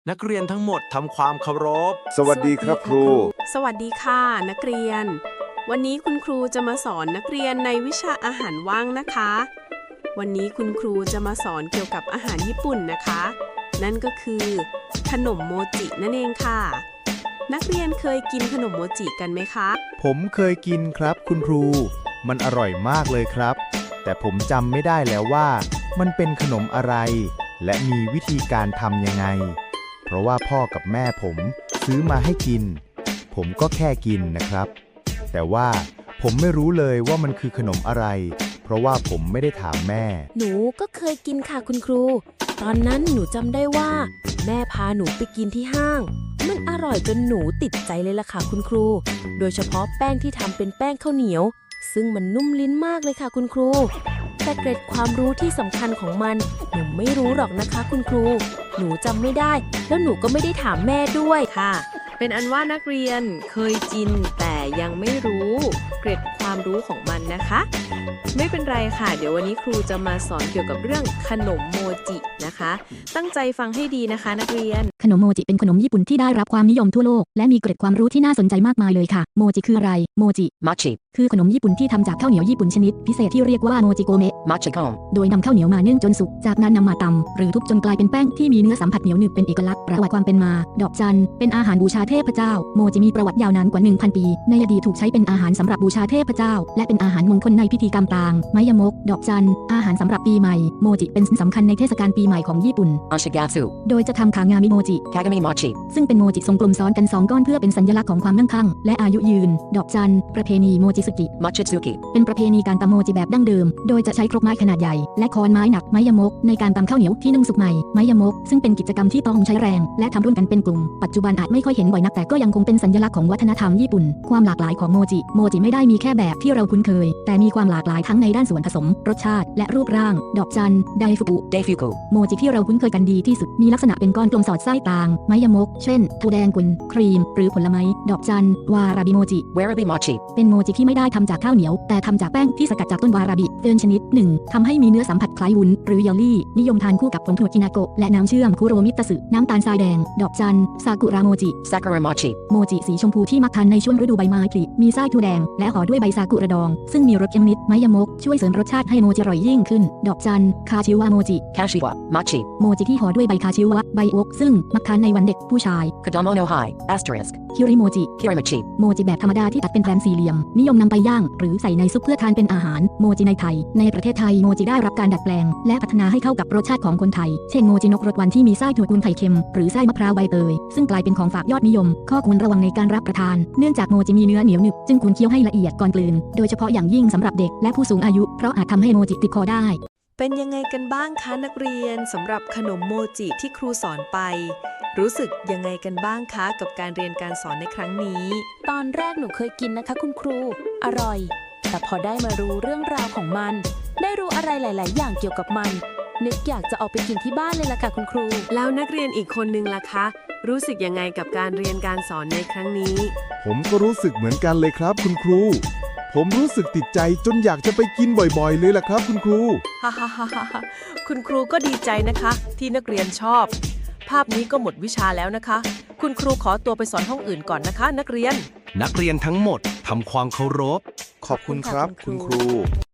นักเรียนทั้งหมดทำความเคารพสวัสดีครับครูสวัสดีค่ะนักเรียน วันนี้คุณครูจะมาสอนนักเรียนในวิชาอาหารว่างนะคะ วันนี้คุณครูจะมาสอนเกี่ยวกับอาหารญี่ปุ่นนะคะ นั่นก็คือขนมโมจินั่นเองค่ะ นักเรียนเคยกินขนมโมจิกันไหมคะผมเคยกินครับคุณครู มันอร่อยมากเลยครับ แต่ผมจำไม่ได้แล้วว่ามันเป็นขนมอะไร และมีวิธีการทำยังไง เพราะว่าพ่อกับแม่ผมซื้อมาให้กิน ผมก็แค่กินนะครับ แต่ว่าผมไม่รู้เลยว่ามันคือขนมอะไร เพราะว่าผมไม่ได้ถามแม่หนูก็เคยกินค่ะคุณครู ตอนนั้นหนูจำได้ว่า แม่พาหนูไปกินที่ห้าง มันอร่อยจนหนูติดใจเลยล่ะค่ะคุณครู โดยเฉพาะแป้งที่ทำเป็นแป้งข้าวเหนียว ซึ่งมันนุ่มลิ้นมากเลยค่ะคุณครู แต่เกร็ดความรู้ที่สำคัญของมันหนูไม่รู้หรอกนะคะคุณครู หนูจำไม่ได้ แล้วหนูก็ไม่ได้ถามแม่ด้วยค่ะ เป็นอันว่านักเรียนเคยกินแต่ยังไม่รู้เกร็ดความรู้ของมันนะคะ ไม่เป็นไรค่ะเดี๋ยววันนี้ครูจะมาสอนเกี่ยวกับเรื่องขนมโมจินะคะ ตั้งใจฟังให้ดีนะคะนักเรียนขนมโมจิเป็นขนมญี่ปุ่นที่ได้รับความนิยมทั่วโลกและมีเกร็ดความรู้ที่น่าสนใจมากมายเลยค่ะโมจิคืออะไรโมจิ Mochi คือขนมญี่ปุ่นที่ทำจากข้าวเหนียวญี่ปุ่นชนิดพิเศษที่เรียกว่าโมจิโกเมะ Mochicon โดยนำข้าวเหนียวมานึ่งจนสุกจากนั้นนำมาตำหรือทุบจนกลายเป็นแป้งที่มีเนื้อสัมผัสเหนียวหนึบเป็นเอกลักษณ์ประวัติความเป็นมาดอกจันเป็นอาหารบูชาเทพเจ้าโมจิมีประวัติยาวนานกว่า 1,000 ปีในอดีตถูกใช้เป็นอาหารสำหรับบูชาเทพเจ้าและเป็นอาหารมงคลในพิธีกรรมต่างไมยมกดอกจันอาหารสำหรับปีใหม่โมจิเป็นสิ่งสำคัญในเทศกาลปีใหม่ของญี่ปุ่น Oshigatsu โดยจะทำคางามิโมจิ Kagami Mochi ซึ่งเป็นโมจิทรงกลมซ้อนกัน2ก้อนเพื่อเป็นสัญลักษณ์ของความมั่งคั่งและอายุยืน ดอกจันประเพณีโมจิสึกิ Mochitsuki เป็นประเพณีการตำโมจิแบบดั้งเดิม โดยจะใช้ครกไม้ขนาดใหญ่และค้อนไม้หนักไม้ยมกในการตำข้าวเหนียวที่นึ่งสุกใหม่ไม้ยมกซึ่งเป็นกิจกรรมที่ต้องใช้แรงและทำร่วมกันเป็นกลุ่มปัจจุบันอาจไม่ค่อยเห็นบ่อยนักแต่ก็ยังคงเป็นสัญลักษณ์ของวัฒนธรรมญี่ปุ่นความหลากหลายของโมจิไม่ได้มีแค่แบบที่เราคุ้นเคยแต่มีความหลากหลายทั้งในด้านส่วนผสมรสชาติและรูปร่างดอกจันไดฟุกุ Deifuku โมจิที่เราคุ้นเคยกันดีที่สุดมีลักษณะเป็นก้อนกลมสอดไส้ต่างไม้ยมกเช่นถั่วแดงกุนครีมหรือผลไม้ดอกจันวาราบิโมจิ Warabi Mochi เป็นโมจิที่ไม่ได้ทำจากข้าวเหนียวแต่ทำจากแป้งที่สกัดจากต้นวาราบิเดินชนิดหนึ่งทำให้มีเนื้อสัมผัสคล้ายวุ้นหรือเยลลี่นิยมทานคู่กับผงถั่วกินาโกะและน้ำเชื่อมคุโรมิตสึน้ำตาลทรายแดงดอกจันซากุระโมจิ Sakura Mochi โมจิสีชมพูที่มักทานในช่วงฤดูใบไม้ผลิมีไส้ถั่วแดงและห่อด้วยใบซากุระดองซึ่งมีรสเค็มนิดไม้ยมกช่วยเสริมรสชาติให้โมจิอร่อยยิ่งขึ้นดอกจันคาชิวะโมจิ Kashiwa Mochi โมจิที่ห่อด้วยใบคาชิวะใบโอ๊กซึ่งมักทานในวันเด็กผู้ชาย Kodomo no Hai Asterisk คิริโมจิ Kirimachi โมจิแบบธรรมดาที่ตัดเป็นแผ่นสี่เหลี่ยมนิยมนำไปย่างหรือใส่ในซุปเพื่อทานเป็นอาหารโมจิในไทยในประเทศไทยโมจิได้รับการดัดแปลงและพัฒนาให้เข้ากับรสชาติของคนไทยเช่นโมจินกรสหวานที่มีไส้ถั่วกุนไข่เค็มหรือไส้มะพร้าวใบเตยซึ่งกลายเป็นของฝากยอดนิยมข้อควรระวังในการรับประทานเนื่องจากโมจิมีเนื้อเหนียวหนึบจึงควรเคี้ยวให้ละเอียดก่อนกลืนโดยเฉพาะอย่างยิ่งสำหรับเด็กและผู้สูงอายุเพราะอาจทำให้โมจิติดคอได้เป็นยังไงกันบ้างคะนักเรียนสำหรับขนมโมจิที่ครูสอนไป รู้สึกยังไงกันบ้างคะกับการเรียนการสอนในครั้งนี้ตอนแรกหนูเคยกินนะคะคุณครู อร่อย แต่พอได้มารู้เรื่องราวของมัน ได้รู้อะไรหลาย ๆ อย่างเกี่ยวกับมัน นึกอยากจะเอาไปกินที่บ้านเลยล่ะค่ะคุณครูแล้วนักเรียนอีกคนนึงล่ะคะ รู้สึกยังไงกับการเรียนการสอนในครั้งนี้ผมก็รู้สึกเหมือนกันเลยครับคุณครู ผมรู้สึกติดใจจนอยากจะไปกินบ่อยๆเลยล่ะครับคุณครูฮ่าฮ่าฮ่าฮ่าคุณครูก็ดีใจนะคะ ที่นักเรียนชอบ ภาพนี้ก็หมดวิชาแล้วนะคะ คุณครูขอตัวไปสอนห้องอื่นก่อนนะคะ นักเรียนนักเรียนทั้งหมดทำความเคารพขอบคุณครับคุณครู